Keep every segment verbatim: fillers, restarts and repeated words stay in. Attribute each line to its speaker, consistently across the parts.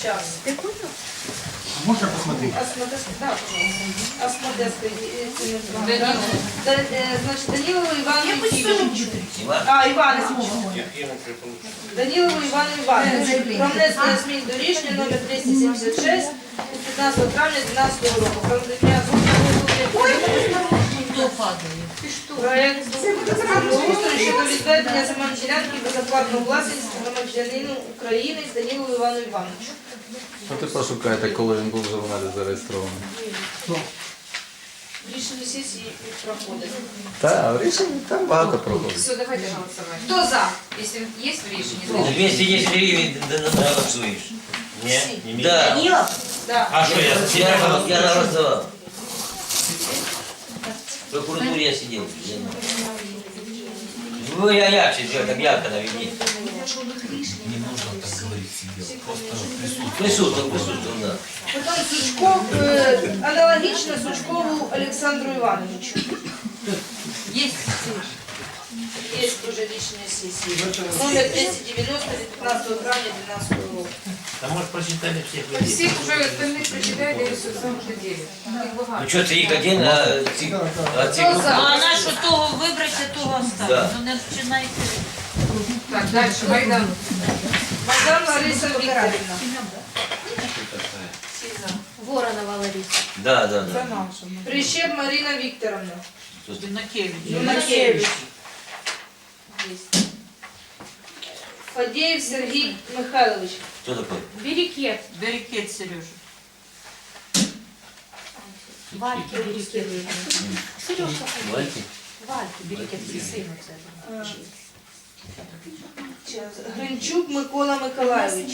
Speaker 1: Сейчас.
Speaker 2: Можно посмотреть?
Speaker 1: Осмотрская, да, пожалуйста. Осмотрская, да. Да, э, значит, Данилову Ивану Ефимовичу. А, Іван Іванович. Данилову Івану Івановичу. Про внесення змін до рішення номер двісті сімдесят шість від п'ятнадцятого травня дві тисячі дванадцятого року. Про надання проєкту землеустрою щодо відведення земельної ділянки безоплатної власності громадянину України Данилову Івану Івановичу.
Speaker 3: Ну ти пошукайте, коли він був в журналі зареєстрований.
Speaker 1: Рішення сесії проходить.
Speaker 3: Так, рішення там багато проходить.
Speaker 4: Все, давайте голосовать.
Speaker 1: Хто за?
Speaker 4: Если есть в решении, значит...
Speaker 5: двести десять гривен голосуешь.
Speaker 6: Нет?
Speaker 5: Да.
Speaker 1: Данилов? Да.
Speaker 6: А что я?
Speaker 5: Я, я, я голосовал. В прокуратуре я сидел. Ну, я ярче сделал, там ярко наведи.
Speaker 2: Не нужно так говорить сидел. Просто присутствовать.
Speaker 5: Присутствовал, присутствовал, да.
Speaker 1: Потім Сучков, е, аналогічно Сучкову Олександру Івановичу.
Speaker 4: Есть.
Speaker 1: Є дуже рішення сесії. Номер двісті дев'яносто від п'ятнадцятого травня дві тисячі дванадцятого року.
Speaker 6: А может прочитали всех людей?
Speaker 4: Всех уже остальных прочитали, и все сам уже делят. Их
Speaker 5: Ну
Speaker 4: богато.
Speaker 5: что, цик один, а цик... А цик...
Speaker 1: Хто за?
Speaker 7: А нашу того вибрати, того
Speaker 5: Да.
Speaker 7: оставити. Ну не починайте.
Speaker 4: Так, дальше, Майдан.
Speaker 1: Майдан Лариса Вікторівна.
Speaker 7: Воронова Лариса.
Speaker 5: Да, да, да.
Speaker 1: Прищеп Марина Вікторовна.
Speaker 7: Юнакевич.
Speaker 1: Юнакевич. Фадеєв Сергій Михайлович.
Speaker 5: Кто такой?
Speaker 7: Берекет. Берекет, Сережа. Вальки Берекет. Сережка.
Speaker 5: Вальки?
Speaker 7: Вальки Берекет, сину це.
Speaker 1: Гринчук Микола Миколайович.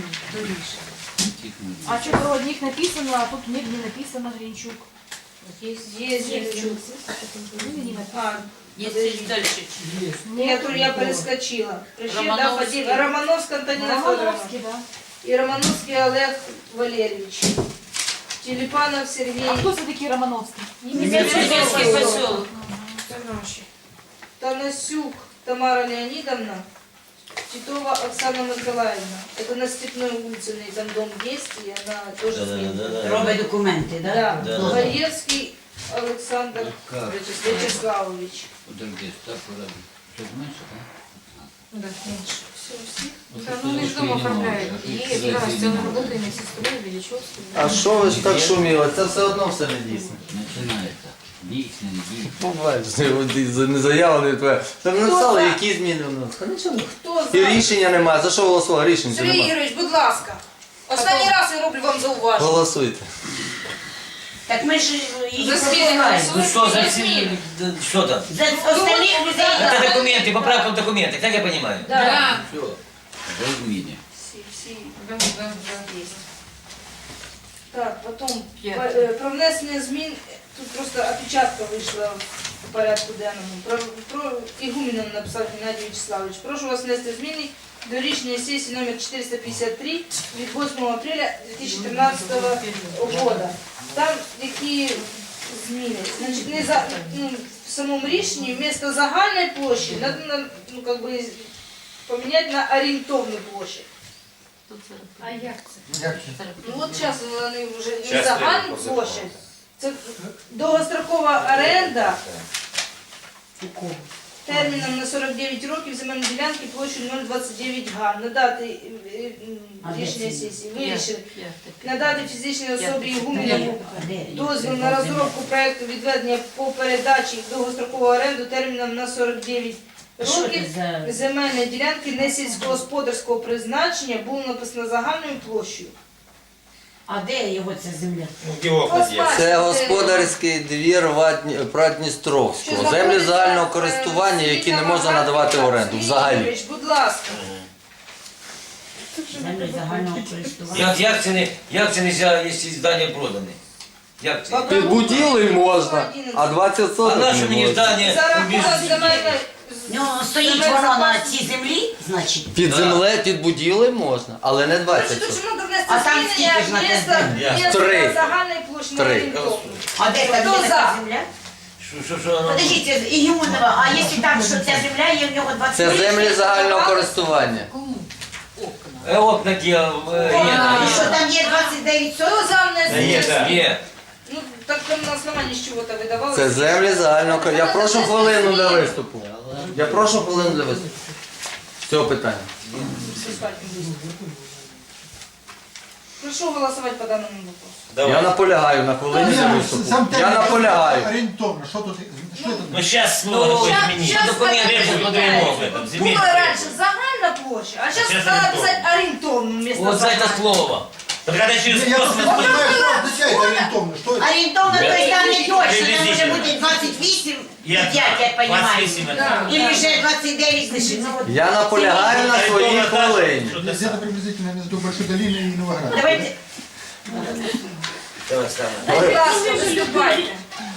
Speaker 8: А что про них написано, а тут нигде написано Гринчук.
Speaker 1: Є Гринчук. А,
Speaker 7: Есть дальше.
Speaker 1: ні, то я перескочила. Прищеп, да,
Speaker 7: Романовський.
Speaker 1: Фадеєв. Романовська Антоніна Федоровна.
Speaker 8: Романовский, да.
Speaker 1: И Романовский Олег Валерьевич. Телепанов Сергей.
Speaker 8: А кто все-таки Романовский?
Speaker 7: Немецкий поселок.
Speaker 1: Танасюк Тамара Леонидовна. Титова Оксана Николаевна. Это на Степной улице, у нее там дом есть, и она тоже
Speaker 5: Да, да,
Speaker 1: сменила.
Speaker 5: да, да.
Speaker 7: Робить документи, да?
Speaker 1: Да.
Speaker 5: Да, да.
Speaker 1: Гаевский Александр Вячеславович.
Speaker 2: Подожди, так вроде. Что знаешь,
Speaker 4: Да, меньше. Да, ну они же дома оформляют. И да, сделали работу и на сестру, и Величевскую.
Speaker 3: А що ви ж так шуміли? Це все одно все не дійсно.
Speaker 2: начинается. Дійсно, дійсно.
Speaker 3: Ну, бачите, не заява, не твоя. Там написали, які зміни в нас. Та нічого.
Speaker 1: Хто
Speaker 3: І
Speaker 1: за?
Speaker 3: рішення немає. За що голосували? Рішення
Speaker 1: Сергій
Speaker 3: немає.
Speaker 1: Ігорович, будь ласка. Останній раз я роблю вам зауваження.
Speaker 3: Голосуйте.
Speaker 7: Так ми ж її
Speaker 4: За зміни
Speaker 7: пропускаємо.
Speaker 5: Ну что за
Speaker 4: голосуют.
Speaker 5: все... да, Что там?
Speaker 7: За остальних людей.
Speaker 5: Это документы, поправка в документах, так я понимаю.
Speaker 1: Да.
Speaker 4: Да.
Speaker 5: Все.
Speaker 2: Дай зміни.
Speaker 1: Всі, всі.
Speaker 4: Да, да, да.
Speaker 1: Есть. Так, потом
Speaker 4: П'ять.
Speaker 1: по- е, про внесення змін, тут просто опечатка вийшла в порядку денному. Про, про Ігумінов написав Геннадій Вячеславович. Прошу вас внести зміни до рішення сесії номер чотириста п'ятдесят три від восьмого апреля дві тисячі тринадцятого року. Там які зміни? Значить, не за, ну, в самому рішенні вместо загальної площі надо, на- ну, как бы, поміняти на орієнтовну площу.
Speaker 4: А як це?
Speaker 1: Ну от зараз вони вже не
Speaker 6: Щас
Speaker 1: загальну
Speaker 6: прийду,
Speaker 1: площадь. Це довгострокова оренда терміном на сорок дев'ять років земельної ділянки площею нуль двадцять дев'ять га. Надати е, е, рішення сесії. Вирішили надати фізичній особі Ігумінову дозвіл на розробку проекту відведення по передачі в довгострокову оренду терміном на сорок дев'ять років. Земельної ділянки не сільськогосподарського призначення було написано загальною площею.
Speaker 7: А де його ця земля?
Speaker 6: Его подъезд.
Speaker 3: Це господарський двір Вадні- Прадністровського. Землі загального користування, які не можна надавати в оренду взагалі.
Speaker 1: Будь ласка.
Speaker 7: Землі загального користування.
Speaker 5: Як, як, це не, як це нельзя, якщо здання продане? Як це?
Speaker 3: Під будівлею можна, а двадцять
Speaker 5: А
Speaker 3: соток
Speaker 5: наше
Speaker 3: не
Speaker 5: мені
Speaker 3: можна.
Speaker 5: здання
Speaker 1: За рахунок земельної...
Speaker 7: Ну, стоїть воно на цій землі, значить.
Speaker 3: Під землею, під будівлею можна, але не
Speaker 1: Значить,
Speaker 3: двадцять
Speaker 1: тут
Speaker 3: соток.
Speaker 1: ж треба внести
Speaker 7: А там
Speaker 1: змінення
Speaker 7: скільки ж на те
Speaker 1: місто,
Speaker 5: землі?
Speaker 1: місто
Speaker 3: Три.
Speaker 1: загальної площі на
Speaker 3: Три.
Speaker 1: орієнтовну.
Speaker 7: А де там
Speaker 1: Хто
Speaker 7: є
Speaker 1: за?
Speaker 7: така земля?
Speaker 5: Що, що, що воно?
Speaker 7: Подождіть, Ігуманова, а якщо там, що ця земля є в нього двадцять
Speaker 3: Це землі загального користування.
Speaker 4: Кому? Окна.
Speaker 5: Э, окна делал, э, Лена,
Speaker 7: Ну, що
Speaker 5: Лена.
Speaker 7: там є двадцять дев'ять
Speaker 1: Хто
Speaker 7: соток?
Speaker 1: за внесення
Speaker 6: Є, да.
Speaker 1: змін?
Speaker 5: Нет.
Speaker 1: Ну, так там на основанні з чого-то видавалося.
Speaker 3: Це землі загального користування. Я прошу хвилину для виступу. Я прошу хвилину для виступу. З цього питання.
Speaker 1: Прошу голосувати по даному вопросу.
Speaker 3: Я
Speaker 6: Давай.
Speaker 3: наполягаю на хвилині для виступу. Я наполягаю.
Speaker 9: Орієнтовно, що тут, що це?
Speaker 6: Ну сейчас снова такое
Speaker 1: Щас-
Speaker 6: изменить.
Speaker 1: щас
Speaker 5: Документы
Speaker 1: так
Speaker 6: требуют
Speaker 1: почитаєте.
Speaker 6: подвойного в этом, земельный
Speaker 1: Було
Speaker 6: требует.
Speaker 1: раніше загальна площа, а зараз
Speaker 6: Щас
Speaker 1: треба
Speaker 6: орієнтовно.
Speaker 1: писати орієнтовну вместо
Speaker 5: Вот за это
Speaker 1: загальної.
Speaker 5: слово.
Speaker 6: Так когда через
Speaker 9: Я просто не
Speaker 6: космос...
Speaker 9: знаю, що означає орієнтовно, що це?
Speaker 7: Орієнтовно, то есть там не точно, там може
Speaker 6: Приблизительно.
Speaker 7: бути двадцять вісім і
Speaker 6: Я-
Speaker 7: п'ять, я понимаю.
Speaker 6: двадцать восемь это.
Speaker 1: Да.
Speaker 7: Или вже двадцять дев'ять лишить. Ну, от
Speaker 3: Я наполягаю на своїй хвилині.
Speaker 6: Что-то
Speaker 9: Десь це приблизительно між Большой долиною і Новоградом.
Speaker 7: Давайте.
Speaker 5: Давай, Стана.
Speaker 1: Будь ласка, виступайте.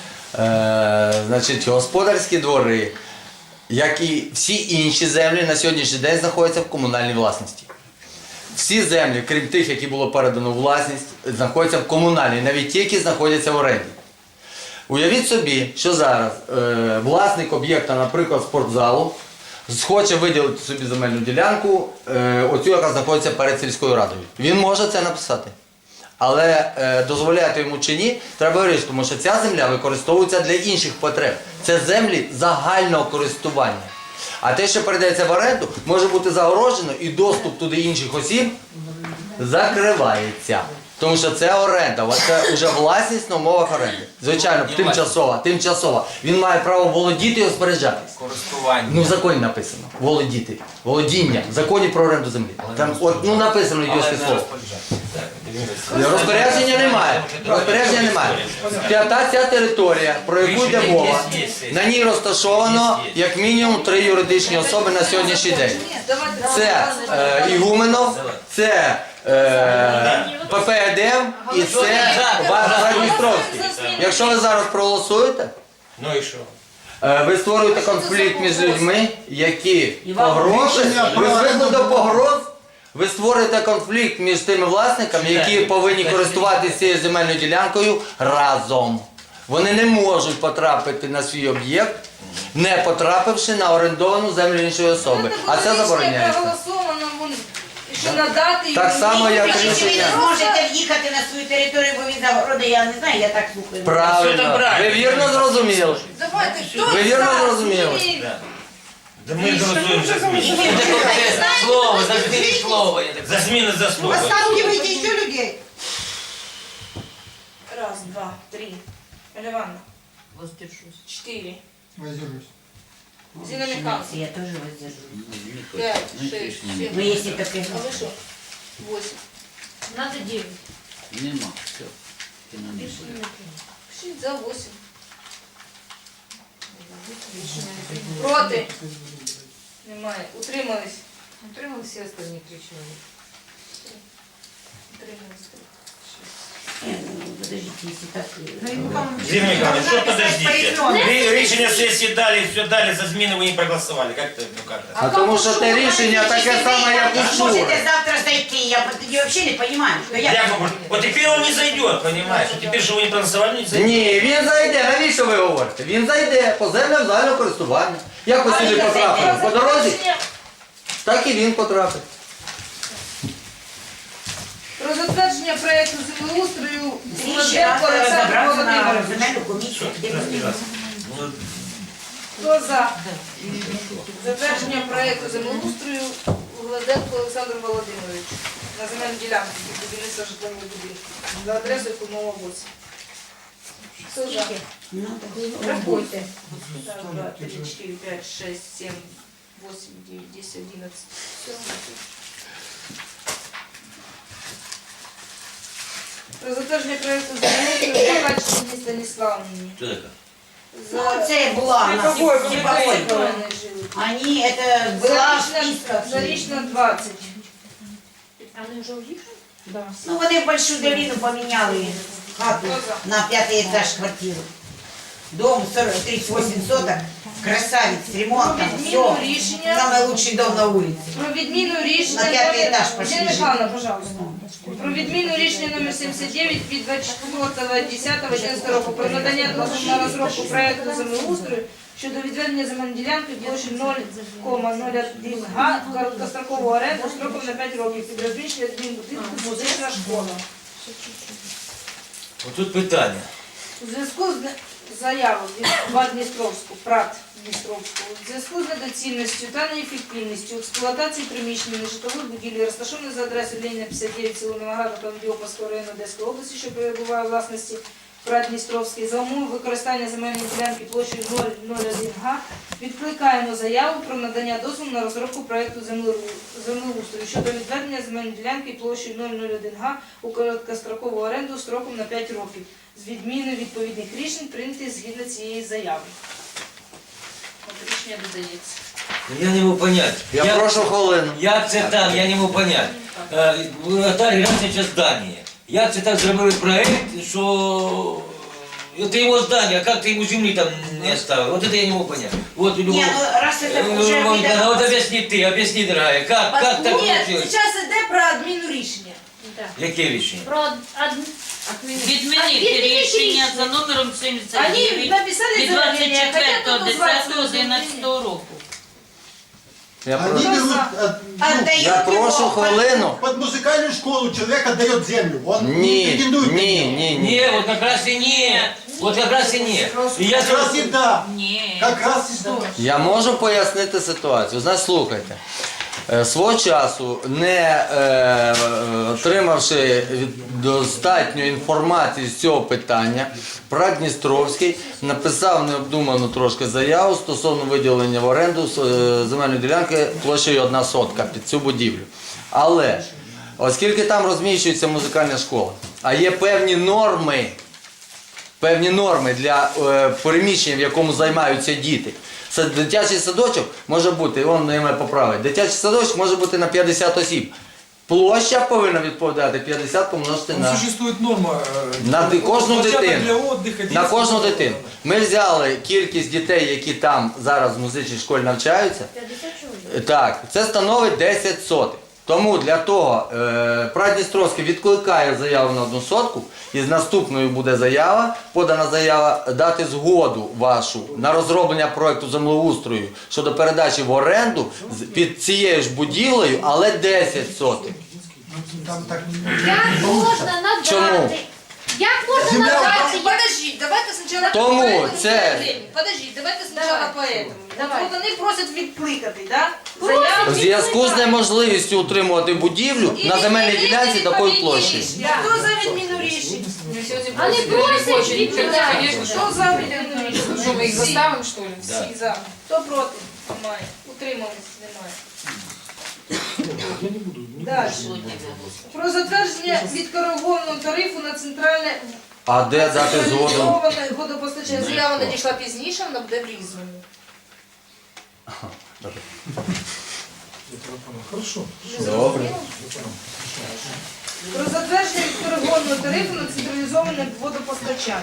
Speaker 3: Е, значить, господарські двори, як і всі інші землі, на сьогоднішній день знаходяться в комунальній власності. Всі землі, крім тих, які було передано у власність, знаходяться в комунальній, навіть ті, які знаходяться в оренді. Уявіть собі, що зараз е, власник об'єкта, наприклад, спортзалу, хоче виділити собі земельну ділянку, е, оцю, яка знаходиться перед сільською радою. Він може це написати. Але е, дозволяти йому чи ні, треба вирішити, тому що ця земля використовується для інших потреб. Це землі загального користування. А те, що передається в оренду, може бути загорожено і доступ туди інших осіб закривається. Тому що це оренда, це вже власність на умовах оренди. Звичайно, тимчасова, тимчасова. Він має право володіти і розпоряджатись.
Speaker 5: Користування.
Speaker 3: Ну в законі написано. Володіти. Володіння. В законі про оренду землі. Там от, ну написано
Speaker 5: Але
Speaker 3: йдеться
Speaker 5: не
Speaker 3: слово.
Speaker 5: розпоряджатися.
Speaker 3: Розпорядження немає. Розпорядження немає. П'ята ця територія, про яку йде мова, на ній розташовано як мінімум три юридичні особи на сьогоднішній день.
Speaker 1: Давайте
Speaker 3: Це е, Ігуменов, це е, П П Е Д М і це Бардністровський. Якщо ви зараз проголосуєте,
Speaker 6: Ну и что?
Speaker 3: е, ви створюєте конфлікт між людьми, які погрози,
Speaker 9: Рішення
Speaker 3: ви
Speaker 9: про
Speaker 3: звикли
Speaker 9: оренду
Speaker 3: до
Speaker 9: було.
Speaker 3: погроз, ви створюєте конфлікт між тими власниками, які повинні користуватися цією земельною ділянкою разом. Вони не можуть потрапити на свій об'єкт, не потрапивши на орендовану землю іншої особи. А це забороняється.
Speaker 1: Проголосовано, вон, що надати
Speaker 3: Так
Speaker 1: йому
Speaker 3: само, як
Speaker 1: відповідь.
Speaker 7: Чи ви
Speaker 3: рішення.
Speaker 7: не зможете в'їхати на свою територію, бо він загороди, я не знаю, я так слухаю.
Speaker 6: Все
Speaker 3: Правильно.
Speaker 6: там правильно.
Speaker 3: Ви вірно зрозуміли.
Speaker 1: Давайте, хто
Speaker 3: Ви вірно
Speaker 1: за
Speaker 3: зрозуміли.
Speaker 1: зміни?
Speaker 6: Да. Да мы голосуем за смену.
Speaker 5: Это слово, забери слово. Я так
Speaker 6: За смену за слово.
Speaker 7: Останавливайте ще людей.
Speaker 1: Раз, два, три. Оля Ивановна. Четыре.
Speaker 9: Воздержусь.
Speaker 1: Зина Михайловна.
Speaker 7: Я теж воздержусь.
Speaker 1: Пять, шесть, семь.
Speaker 7: Ну, якщо таке.
Speaker 1: А вы что? Восемь.
Speaker 4: Надо девять.
Speaker 2: Нема. Все.
Speaker 1: Пишите за восемь. Проти. Немає. Утримались.
Speaker 4: Утримал все остальные три человека.
Speaker 1: Утримались.
Speaker 7: Ні, ну, подождите, якщо так.
Speaker 6: Зина Михайловна, что подождите?
Speaker 7: Порезонно.
Speaker 6: Вы решение сессии дали, все дали, за смену вы не проголосовали. Как это, ну как это?
Speaker 3: А тому що те рішення таке саме, як
Speaker 7: Ви
Speaker 3: учора.
Speaker 7: можете завтра зайти, я тоді взагалі не розумію, що я...
Speaker 6: Я говорю, вот теперь он не зайдет, понимаешь? Вот теперь, что вы не проголосовали, не зайдет.
Speaker 3: Ні, він зайде. Навіщо ви говорите? Він зайде по землям загального користування. Як ви сюди потрапили? По дорозі? Так і він потрапить.
Speaker 1: Про затвердження проєкту землеустрою
Speaker 7: Ще раз
Speaker 1: Володенко Олександр
Speaker 7: розібратися на
Speaker 1: Володимирович.
Speaker 7: земельну комісію, де ми
Speaker 6: Ну,
Speaker 1: Хто за? Затвердження проєкту землеустрою Володенко Олександр Володимирович на земельну ділянку під будівництво житлового будинку за адресою Кумова вісім. Хто за?
Speaker 7: Ну, так.
Speaker 1: Рахуйте. Раз, два, три, четыре, пять, шесть, семь, восемь, девять, десять, одиннадцать. Все. Про затвердження проєкту землеустрою Бакачині Станіславівні.
Speaker 6: что такое?
Speaker 7: Ну, це була у нас типовой.
Speaker 1: жили.
Speaker 7: Они, это была в списках.
Speaker 1: Зарічна двадцять.
Speaker 4: Они уже уехали? Да.
Speaker 7: Ну, вони в Большую долину поміняли хату на пятый этаж квартиру. Дом сорок, тридцать восемь соток, красавец, с ремонтом,
Speaker 1: Відміну
Speaker 7: все.
Speaker 1: рішення.
Speaker 7: Самый лучший дом на улице.
Speaker 1: Про відміну рішення
Speaker 7: На п'ятий
Speaker 1: номер-
Speaker 7: етаж пошли
Speaker 1: Зіна
Speaker 7: жити.
Speaker 1: Михайловна, пожалуйста. Про відміну рішення номер сімдесят дев'ять від двадцять четвертого десятого одинадцятого року про надання дозволу на розробку проєкту землеустрою щодо відведення земельної ділянки площі нуль кома нуль один га короткострокову оренду строком на п'ять років під розміщення адмінбудинку музична школа.
Speaker 5: Отут питання.
Speaker 1: У зв'язку з заявою від ВАД Дністровську, ПРАТ Дністровську, у зв'язку з недоцільністю та неефективністю експлуатації приміщення нежитлових будівель, розташованих за адресою Леніна п'ятдесят дев'ять, село Новоград, Новодіопольського району Одеської області, що перебуває у власності ПРАТ Дністровський, за умови використання земельної ділянки площею нуль нуль один га, відкликаємо заяву про надання дозволу на розробку проєкту землеустрою щодо відведення земельної ділянки площею нуль нуль один га у короткострокову оренду строком на п'ять років з відміною відповідних рішень, прийнятих згідно цієї заяви. От рішення додається.
Speaker 5: Я не можу поняти.
Speaker 3: Я прошу хвилину.
Speaker 5: Як це там, я не можу поняти. Е, Наталі Грацевича здання. Як це так зробили проект, що це його здання, а як ти йому землі там не оставив? Вот это я не можу поняти. Вот у него...
Speaker 7: Не, ну раз это
Speaker 5: Э,
Speaker 7: уже
Speaker 5: вот,
Speaker 7: видно-
Speaker 5: вот объясни ты, объясни, дорогая, как, как так
Speaker 1: Ні,
Speaker 5: получилось?
Speaker 1: зараз йде про адміну рішення.
Speaker 5: Яке рішення?
Speaker 8: Про од...
Speaker 10: Відмінити рішення за номером сімдесят
Speaker 1: Вони
Speaker 10: дев'ять
Speaker 1: написали
Speaker 10: від
Speaker 1: заявлення,
Speaker 10: двадцять
Speaker 1: хотять
Speaker 10: четвертого
Speaker 1: назвати
Speaker 10: десятого одинадцятого року.
Speaker 3: Я
Speaker 9: Они
Speaker 3: прошу,
Speaker 9: берут, от- ну,
Speaker 7: Отдают
Speaker 3: я прошу
Speaker 7: его
Speaker 3: хвилину.
Speaker 9: под музыкальную школу человек отдает землю. Он не
Speaker 3: Ні,
Speaker 9: претендует на
Speaker 3: ні,
Speaker 9: неё.
Speaker 3: ні, ні.
Speaker 5: Не, вот как раз и нет. Вот как раз и нет. И я
Speaker 9: Как раз и да.
Speaker 10: Ні.
Speaker 9: Как раз и да.
Speaker 3: Я можу пояснити ситуацію. Значить, слухайте. Е, Свого часу, не е, е, отримавши від- достатньо інформації з цього питання, ПРАТ Дністровський написав необдуману трошки заяву стосовно виділення в оренду е, земельної ділянки площею одна сотка під цю будівлю. Але, оскільки там розміщується музикальна школа, а є певні норми, певні норми для е, переміщення, в якому займаються діти. Це дитячий садочок може бути, він мене поправить, дитячий садочок може бути на п'ятдесят осіб. Площа повинна відповідати п'ятдесят помножити на,
Speaker 11: Существует норма э,
Speaker 3: на ди- кожну
Speaker 11: площадок
Speaker 3: дитину.
Speaker 11: для отдыха,
Speaker 3: На кожну
Speaker 11: детских
Speaker 3: дитину. Ми взяли кількість дітей, які там зараз в музичній школі навчаються. Так, це становить десять сотих. Тому для того е, ПРАТ Дністровський відкликає заяву на одну сотку, і з наступною буде заява, подана заява, дати згоду вашу на розроблення проєкту землеустрою щодо передачі в оренду з- під цією ж будівлею, але десять сотих.
Speaker 9: Там так
Speaker 8: Як
Speaker 9: не получится.
Speaker 8: можна надати?
Speaker 3: Чому?
Speaker 8: Як можна
Speaker 9: Земля
Speaker 8: надати? Як...
Speaker 1: Подождіть, давайте спочатку
Speaker 3: Тому
Speaker 1: по этому
Speaker 3: це-
Speaker 1: заявлению. Подождіть, давайте спочатку по этому.
Speaker 8: Давай.
Speaker 1: От вони просять відкликати, да?
Speaker 8: Просять
Speaker 1: Заяву
Speaker 3: У зв'язку з
Speaker 1: відкликають.
Speaker 3: неможливістю утримувати будівлю
Speaker 1: І
Speaker 3: на земельній
Speaker 1: відмінити
Speaker 3: ділянці такої
Speaker 1: відповідні
Speaker 3: площі.
Speaker 1: рішення. Хто за відміну рішень?
Speaker 8: Вони просять відповідати.
Speaker 1: Хто за відміну рішень?
Speaker 4: Что, мы их
Speaker 1: Всі.
Speaker 4: заставим, что ли?
Speaker 5: Да.
Speaker 1: Всі за. Хто проти? Немає. Утримались? Немає.
Speaker 11: Я не буду. Не
Speaker 1: Далі.
Speaker 11: буду.
Speaker 1: Про затвердження відкоригованого тарифу на центральне
Speaker 3: А де дати згоду?
Speaker 1: централізоване водопостачання. Заява надійшла пізніше, вона буде в різному.
Speaker 11: Я понял. Хорошо.
Speaker 3: Добре.
Speaker 1: Про затвердження відкоригованого тарифу на централізоване водопостачання.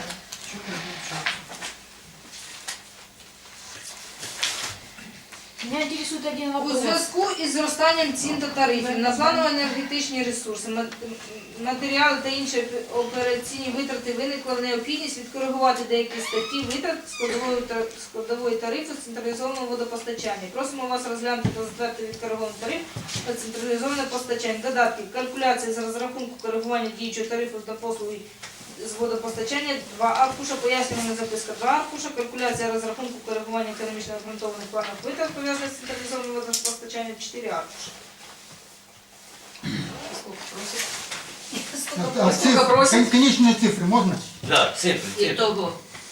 Speaker 8: Меня интересует один
Speaker 1: У
Speaker 8: вопрос.
Speaker 1: зв'язку із зростанням цін та тарифів на планово-енергетичні ресурси, ма- матеріали та інші операційні витрати виникла необхідність відкоригувати деякі статті витрат складової, та- складової тарифу централізованого водопостачання. Просимо вас розглянути та затвердити відкоригований тариф на централізоване постачання. Додатки. Калькуляція з розрахунку коригування діючого тарифу на послуги з водопостачання, два аркуша, пояснювальна записка, два аркуша, калькуляція розрахунку коригування економічно обґрунтованих планів витрат, пов'язаних з централізованим водопостачанням, чотири аркуша.
Speaker 9: А, а цифры, кон- конечные цифры можно?
Speaker 5: Да, цифры,
Speaker 10: І
Speaker 5: цифры.
Speaker 10: того.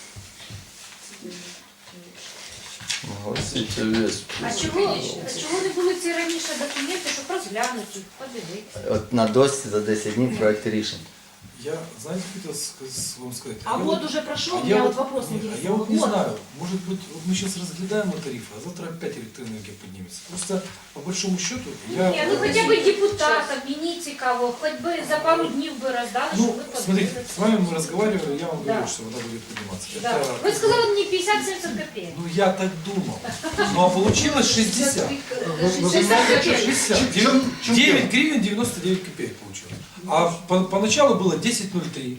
Speaker 8: А чого, а чого не були ці раніше документи, щоб розглянути їх, подивитися?
Speaker 3: От на досі за десять днів проєкт рішень.
Speaker 11: Я, знаете, хотел ска- вам сказать.
Speaker 8: А
Speaker 11: я
Speaker 8: год уже прошел,
Speaker 11: а
Speaker 8: у меня
Speaker 11: я
Speaker 8: вот вопрос
Speaker 11: не, а
Speaker 8: интересный.
Speaker 11: я вот не
Speaker 8: Год.
Speaker 11: знаю, может быть, вот мы сейчас разглядаем тарифы, а завтра опять электроэнергия поднимется. Просто по большому счету я...
Speaker 8: Не, ну хотя бы депутат, обвините кого, хоть бы за пару дней бы раздали,
Speaker 11: Ну,
Speaker 8: чтобы вы
Speaker 11: смотрите,
Speaker 8: подумали.
Speaker 11: с вами мы разговаривали, я вам
Speaker 8: Да.
Speaker 11: говорю, что вода будет подниматься.
Speaker 8: Да.
Speaker 11: Это-
Speaker 8: Вы сказали мне пятьдесят-семьдесят копеек.
Speaker 11: Ну, я так думал. Ну, а получилось шестьдесят.
Speaker 8: шестьдесят копеек.
Speaker 11: шестьдесят.
Speaker 9: В чем- в чем
Speaker 11: девять
Speaker 9: дело?
Speaker 11: гривен девяносто девять копеек получилось. А по- поначалу было десять ноль три.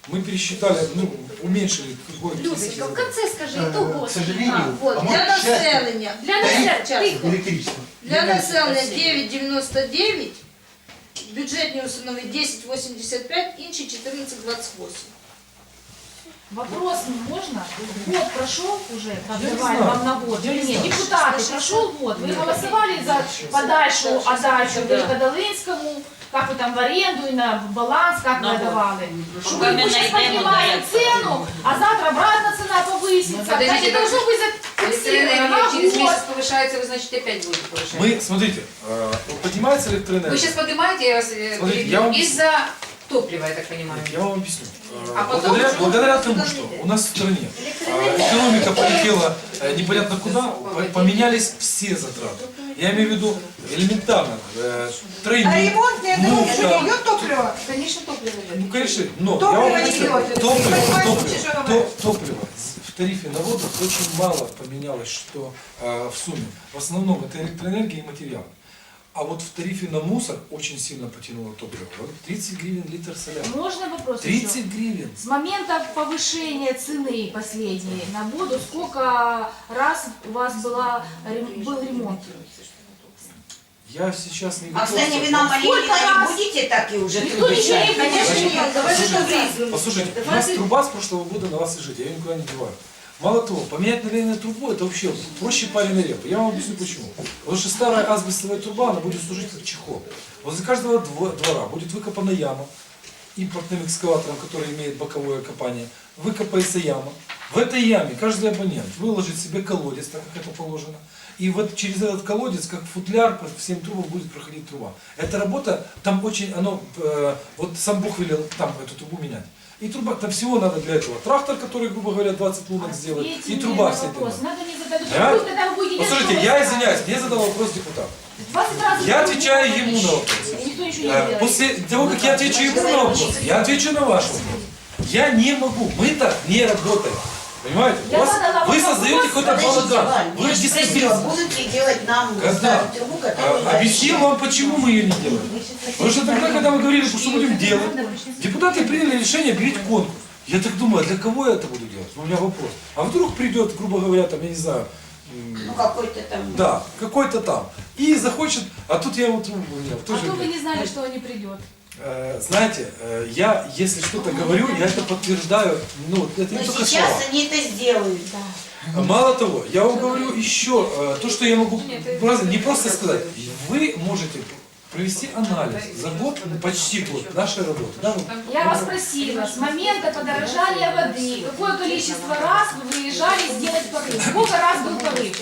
Speaker 11: мы пересчитали, ну, уменьшили какое-то
Speaker 8: Людочка, в конце скажи,
Speaker 9: Э,
Speaker 8: итого.
Speaker 9: К сожалению,
Speaker 1: Вот,
Speaker 9: а
Speaker 1: для
Speaker 9: может, к счастью,
Speaker 1: населення.
Speaker 8: Для
Speaker 9: тариф
Speaker 8: населення, тихо.
Speaker 9: электричества.
Speaker 1: Для населення дев'ять дев'яносто дев'ять, бюджетні установи десять вісімдесят п'ять, інші чотирнадцять двадцять вісім.
Speaker 4: Вопрос можно? Год прошел уже,
Speaker 11: Я
Speaker 4: как
Speaker 11: не
Speaker 4: давали
Speaker 11: знаю.
Speaker 4: вам на год?
Speaker 11: Я
Speaker 4: Или
Speaker 11: не
Speaker 4: нет?
Speaker 11: знаю.
Speaker 4: Депутаты, прошел год. Вы голосовали за подальшую отдачу
Speaker 1: Да.
Speaker 4: Великодолинскому, как вы там в аренду и на баланс, как
Speaker 10: На
Speaker 4: вы
Speaker 10: год.
Speaker 4: отдавали? Что
Speaker 10: Пока
Speaker 4: вы
Speaker 10: мы
Speaker 4: сейчас
Speaker 10: найдем
Speaker 4: поднимаете
Speaker 10: директора.
Speaker 4: цену, а завтра обратно цена повысится.
Speaker 1: Ну, подождите,
Speaker 4: Так не должно быть зафиксировано на
Speaker 12: через
Speaker 4: год.
Speaker 12: месяц повышается, вы, значит, опять будете повышать.
Speaker 11: Мы, смотрите, э, вот поднимается электроэнергия.
Speaker 12: Вы сейчас поднимаете, я вас э,
Speaker 11: Смотрите,
Speaker 12: перебью,
Speaker 11: я вам-
Speaker 12: из-за топлива, я так понимаю.
Speaker 11: Я вам объясню. Э,
Speaker 12: А потом
Speaker 11: благодаря,
Speaker 12: уже
Speaker 11: благодаря
Speaker 1: можно
Speaker 11: тому,
Speaker 1: сюда
Speaker 11: что
Speaker 1: не
Speaker 11: у нас в стране э, экономика полетела э, непонятно куда, по- поменялись все затраты. Я имею в виду элементарно. Э, тройник,
Speaker 7: Ремонтные
Speaker 11: муфта.
Speaker 7: идет топливо?
Speaker 12: Конечно, топливо идет.
Speaker 11: Ну, конечно, но
Speaker 7: Топливо
Speaker 11: я вам
Speaker 7: не
Speaker 11: объясню.
Speaker 7: идет.
Speaker 11: Топливо,
Speaker 7: Вы понимаете,
Speaker 11: топливо,
Speaker 7: что
Speaker 11: то-
Speaker 7: говорить?
Speaker 11: топливо в тарифе на воду очень мало поменялось, что э, в сумме. В основном это электроэнергия и материалы. А вот в тарифе на мусор очень сильно потянуло топливо. Вот тридцать гривен литр соляра.
Speaker 4: Можно вопрос еще?
Speaker 11: тридцать гривен.
Speaker 4: С момента повышения цены последней на воду, сколько раз у вас была, рем- был ремонт?
Speaker 11: Я сейчас не
Speaker 7: А
Speaker 11: готов.
Speaker 7: кстати, вы нам
Speaker 4: Сколько
Speaker 7: Малинина
Speaker 4: раз?
Speaker 7: не будете так и уже
Speaker 4: Никто ничего не
Speaker 7: трубочать?
Speaker 1: Конечно,
Speaker 4: будет.
Speaker 1: нет, давайте что выясним.
Speaker 11: Послушайте, у нас труба с прошлого года на вас лежит, я ее никуда не деваю. Мало того, поменять налейную трубу это вообще проще пареной репы. Я вам объясню почему. Потому что старая асбестовая труба, она будет служить как чехол. Возле каждого дво- двора будет выкопана яма импортным экскаватором, который имеет боковое копание. Выкопается яма. В этой яме каждый абонент выложит себе колодец, так как это положено. И вот через этот колодец, как футляр, по всем трубам будет проходить труба. Эта работа, там очень, оно, э, вот сам Бог велел там эту трубу менять. И труба, там всего надо для этого. Трактор, который, грубо говоря, двадцать лунок сделает,
Speaker 4: Ответьте
Speaker 11: и
Speaker 4: мне
Speaker 11: труба
Speaker 4: на
Speaker 11: вся эта.
Speaker 4: вопрос. Надо не задать
Speaker 11: А?
Speaker 4: вопрос, когда вы будете делать,
Speaker 11: Послушайте,
Speaker 4: что
Speaker 11: я
Speaker 4: вы
Speaker 11: извиняюсь,
Speaker 4: ставите.
Speaker 11: мне задал вопрос депутат.
Speaker 4: двадцать раз
Speaker 11: Я
Speaker 4: вы
Speaker 11: отвечаю
Speaker 4: говорите,
Speaker 11: ему на вопрос.
Speaker 4: и никто ничего не
Speaker 11: Э,
Speaker 4: делает.
Speaker 11: После того, как я отвечу ему на вопрос, я отвечу на ваш вопрос. Я не могу, мы так не работаем. Понимаете? У
Speaker 4: Я
Speaker 11: вас,
Speaker 4: задала
Speaker 11: вы
Speaker 4: вопрос,
Speaker 11: создаете какой-то
Speaker 7: Подождите,
Speaker 11: балаган.
Speaker 7: Вань,
Speaker 11: Вы
Speaker 7: я же спросила,
Speaker 11: дестабилизируете.
Speaker 7: будут ли делать нам
Speaker 11: Когда?
Speaker 7: ставить трубу, которую...
Speaker 11: А, Объяснил вам, почему мы ее не делаем. Потому что тогда, когда мы говорили, что будем делать, депутаты приняли решение объявить конкурс. Я так думаю, а для кого я это буду делать? У меня вопрос. А вдруг придет, грубо говоря, там, я не знаю, м,
Speaker 7: Ну какой-то там...
Speaker 11: да, какой-то там, и захочет, а тут я вот, у меня
Speaker 4: А
Speaker 11: тоже...
Speaker 4: то вы не знали, что он не придет.
Speaker 11: Э, Знаете, э, я, если что-то говорю, я это подтверждаю, ну, это не
Speaker 7: Но
Speaker 11: только
Speaker 7: сейчас
Speaker 11: слова.
Speaker 7: они это сделают.
Speaker 11: Мало того, я вам говорю еще, э, то, что я могу просто- не просто сказать, вы можете провести анализ за год, почти год нашей работы. Да, вот.
Speaker 4: Я вас спросила, с момента подорожания воды, какое количество раз вы выезжали сделать порыв? Сколько раз был порыв?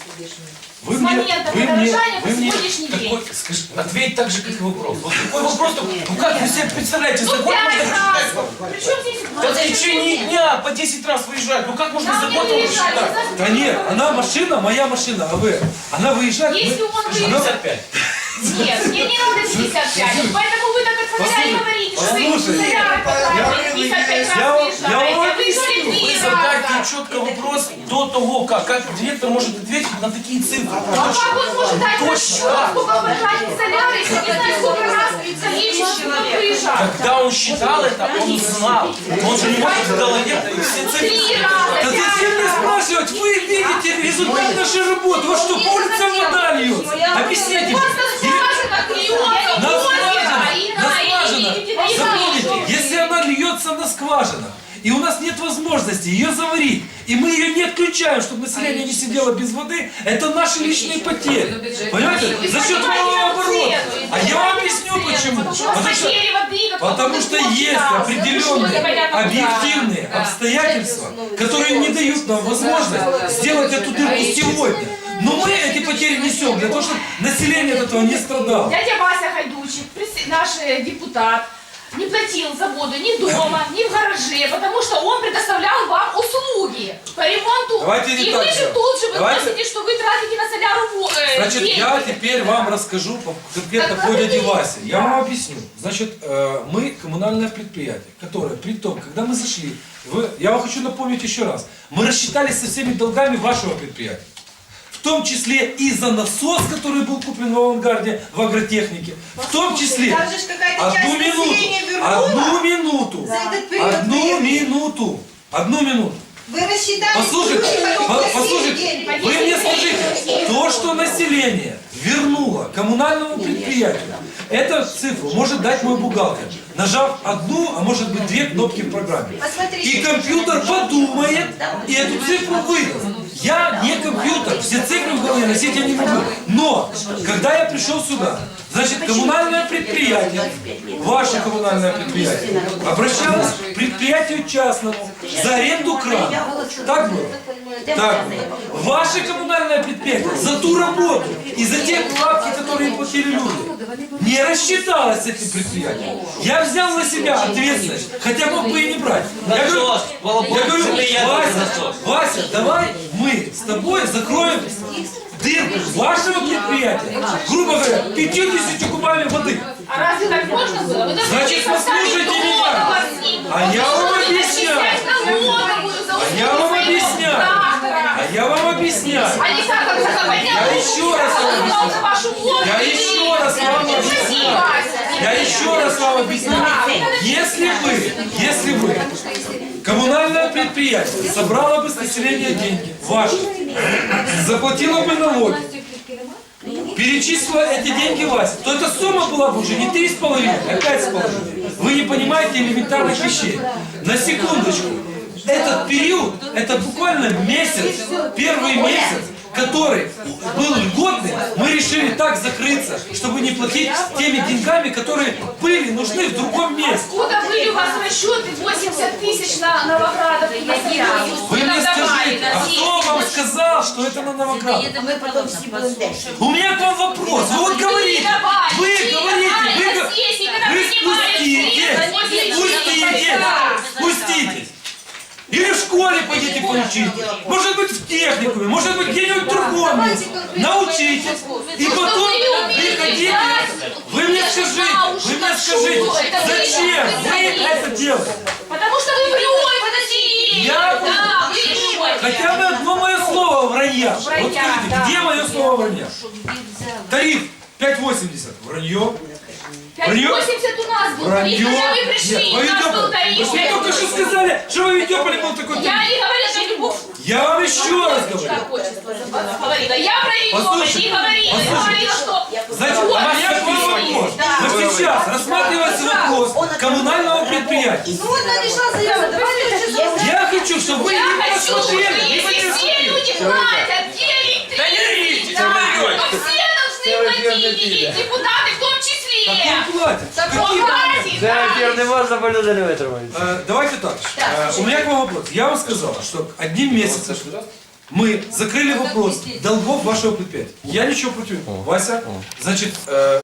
Speaker 11: Вы
Speaker 4: С момента подорожания по
Speaker 11: вы мне
Speaker 4: сегодняшний день.
Speaker 5: Какой- скажи, ответь так же, как и вопрос. Вот такой вопрос, ну как вы себе представляете, за
Speaker 4: Ну
Speaker 5: год
Speaker 4: пять
Speaker 5: можно
Speaker 4: раз!
Speaker 5: посчитать?
Speaker 4: Причем здесь...
Speaker 5: Да в течение дня по десять раз выезжать, ну как можно
Speaker 4: Нам
Speaker 5: за
Speaker 4: не
Speaker 5: год его
Speaker 4: выезжали,
Speaker 5: посчитать?
Speaker 4: знаете,
Speaker 11: Да нет, она машина, моя машина, а вы, она выезжает,
Speaker 4: Если
Speaker 11: мы-
Speaker 4: он
Speaker 11: она-
Speaker 5: шестьдесят пять.
Speaker 4: Нет, мне не надо пятьдесят пять, поэтому вы так от фонаря и говорите, что вы
Speaker 11: послушайте.
Speaker 4: соляры потратили пятьдесят пять
Speaker 11: Я
Speaker 4: раз
Speaker 11: вам-
Speaker 4: выезжаете,
Speaker 11: я вам
Speaker 4: а выезжали
Speaker 11: объясню.
Speaker 5: Вы
Speaker 4: три
Speaker 5: задайте
Speaker 4: раза.
Speaker 5: четко вопрос до того, как, как директор может ответить на такие цифры.
Speaker 4: А как он может дать расчет, сколько вы потратили соляры, если не знает, сколько раз количество выезжал?
Speaker 5: Когда он считал это, он знал. Он же не может в голове все цифры.
Speaker 4: Три раза,
Speaker 11: Да зачем мне спрашивать? Вы видите результат нашей работы. Вы что, по улицам вода льется? Объясните мне.
Speaker 4: Просто скважина клюется,
Speaker 11: На
Speaker 4: озеро,
Speaker 11: скважинах,
Speaker 4: и
Speaker 11: на
Speaker 4: на,
Speaker 11: скважинах.
Speaker 4: и видите, и
Speaker 11: Запомните,
Speaker 4: вижу.
Speaker 11: если она льется на скважинах, и у нас нет возможности ее заварить, и мы ее не отключаем, чтобы население не сидело без воды, это наши личные потери. Понимаете?
Speaker 4: Вы
Speaker 11: За счет
Speaker 4: понимаете
Speaker 11: малого
Speaker 4: эту
Speaker 11: оборота.
Speaker 4: цену,
Speaker 11: А
Speaker 4: вы
Speaker 11: я вам
Speaker 4: понимаете
Speaker 11: объясню
Speaker 4: эту цену,
Speaker 11: почему.
Speaker 4: Потому что
Speaker 11: Потому что,
Speaker 4: потери воды, как
Speaker 11: потому что есть определенные объективные обстоятельства, которые не дают нам возможность сделать эту дырку сегодня. Но мы эти потери несем для того, чтобы население от этого не страдало.
Speaker 4: Дядя Вася Хайдучик, прес- наш э, депутат, не платил за воду ни дома, ни в гараже, потому что он предоставлял вам услуги по ремонту.
Speaker 11: Давайте не
Speaker 4: и
Speaker 11: так
Speaker 4: вы же
Speaker 11: делать.
Speaker 4: тут же
Speaker 11: Давайте-
Speaker 4: выносите, что вы тратите на соляру во- э,
Speaker 11: Значит,
Speaker 4: деньги.
Speaker 11: я теперь вам расскажу по- конкретно по дяде Васе. Я вам объясню. Значит, э, мы коммунальное предприятие, которое, при том, когда мы зашли, вы, я вам хочу напомнить еще раз, мы рассчитались со всеми долгами вашего предприятия. В том числе и за насос, который был куплен в авангарде, в агротехнике. В том числе,
Speaker 7: Там же ж какая-то часть
Speaker 11: одну минуту,
Speaker 7: населения вернула
Speaker 11: минуту.
Speaker 7: за этот период
Speaker 11: Одну
Speaker 7: времени.
Speaker 11: минуту. Одну минуту.
Speaker 7: Вы рассчитали,
Speaker 11: Послушайте,
Speaker 7: потом
Speaker 11: по-
Speaker 7: просили
Speaker 11: послушайте,
Speaker 7: деньги.
Speaker 11: вы мне скажите, то, что население вернуло коммунальному предприятию, эту цифру может дать мой бухгалтер, нажав одну, а может быть две кнопки в программе.
Speaker 7: Посмотрите.
Speaker 11: И компьютер подумает и эту цифру выдаст. Я не компьютер, все цифры в голове носить я не могу. Но, когда я пришел сюда, значит, коммунальное предприятие, ваше коммунальное предприятие, обращалось к предприятию частному за аренду крана. Так было? Так было. Ваше коммунальное предприятие за ту работу и за те вкладки, которые платили люди, не рассчиталось с этим предприятием. Я взял на себя ответственность, хотя мог бы и не брать. Я говорю,
Speaker 5: Насос,
Speaker 11: я говорю,
Speaker 5: я
Speaker 11: Вася,
Speaker 5: насос.
Speaker 11: Вася, давай мы с тобой закроем дырку вашего предприятия, грубо говоря, пятьюдесятью кубами воды.
Speaker 4: А разве так можно было? Вы должны
Speaker 11: Значит,
Speaker 4: были составить
Speaker 11: послушайте меня.
Speaker 4: договор с ним.
Speaker 11: А я вам
Speaker 4: Нужно
Speaker 11: объясняю.
Speaker 4: начислять налоговую за
Speaker 11: А я вам
Speaker 4: услуги
Speaker 11: объясняю.
Speaker 4: трактора.
Speaker 11: А я вам объясняю.
Speaker 4: А не как он поднял
Speaker 11: Я
Speaker 4: руку,
Speaker 11: еще раз вам
Speaker 4: сказал
Speaker 11: объясню.
Speaker 4: за вашу воду.
Speaker 11: Я еще раз вам
Speaker 4: Не
Speaker 11: объясняю.
Speaker 4: ходи, Вася.
Speaker 11: Я еще раз вам объясняю. Если вы, если вы, коммунальное предприятие собрало бы с населения деньги, ваши, заплатило бы налоги, перечислила эти деньги Васе, то эта сумма была бы уже не три с половиной, а пять с половиной. Вы не понимаете элементарных вещей. На секундочку. Этот период, это буквально месяц, первый месяц, который был льготный, мы решили так закрыться, чтобы не платить теми деньгами, которые были нужны в другом месте.
Speaker 4: Откуда были у вас расчеты восемьдесят тысяч на Новоградов и на Союз?
Speaker 11: Вы мне
Speaker 4: Надавали
Speaker 11: скажите,
Speaker 4: на
Speaker 11: а
Speaker 4: все
Speaker 11: кто вам
Speaker 4: эти
Speaker 11: сказал, что это на Новоград?
Speaker 7: Мы потом все будем дальше.
Speaker 11: У меня к вам вопрос. Вы вот говорите, вы говорите, вы, го- вы спустите, спустите, спуститесь. Или в школе пойдите поучить. Может быть в техникуме, может быть где-нибудь в другом месте. Научитесь. И потом приходите. Вы мне скажите, вы мне скажите, зачем вы это делаете?
Speaker 4: Потому что вы врете населению.
Speaker 11: Я
Speaker 4: Да, вы врете.
Speaker 11: хотя бы одно мое слово вранья. Вот
Speaker 4: Вранья,
Speaker 11: скажите,
Speaker 4: да.
Speaker 11: где мое слово вранья? Тариф пять восемьдесят. Вранье.
Speaker 4: пять восемьдесят у нас был тариф,
Speaker 11: Вранье.
Speaker 4: когда вы пришли,
Speaker 11: Нет,
Speaker 4: у нас был
Speaker 11: Вы
Speaker 4: тариф.
Speaker 11: же мне только что сказали, что в Авидеополе был такой
Speaker 4: Я
Speaker 11: тариф.
Speaker 4: не говорила, что любовь.
Speaker 11: Я вам еще раз говорю.
Speaker 4: Как отчество забыла. Говорила, я про Авидеополь
Speaker 11: Послушайте,
Speaker 4: не говорила. Я
Speaker 11: послушайте.
Speaker 4: говорила, что...
Speaker 11: Значит, у
Speaker 4: Вот,
Speaker 11: меня к вам вопрос. Вот сейчас рассматривается вопрос коммунального предприятия.
Speaker 1: Ну вот надешла заява, давайте сейчас.
Speaker 11: Я хочу, чтобы вы
Speaker 4: Я
Speaker 11: не
Speaker 4: хочу, что
Speaker 11: посмотрели. не
Speaker 4: если все
Speaker 11: посмотрели.
Speaker 4: люди платят, те электричество, то все должны платить, и депутаты в том числе.
Speaker 11: Какой платит?
Speaker 4: Так
Speaker 11: Какие
Speaker 4: он
Speaker 11: платят?
Speaker 4: платит, да.
Speaker 3: можна по люди не витримають.
Speaker 11: Э, Давайте так. Э, У меня к вам вопрос. Я вам сказал, что одним месяцем мы закрыли вопрос долгов вашего предприятия. Я ничего против. Вася, значит, э,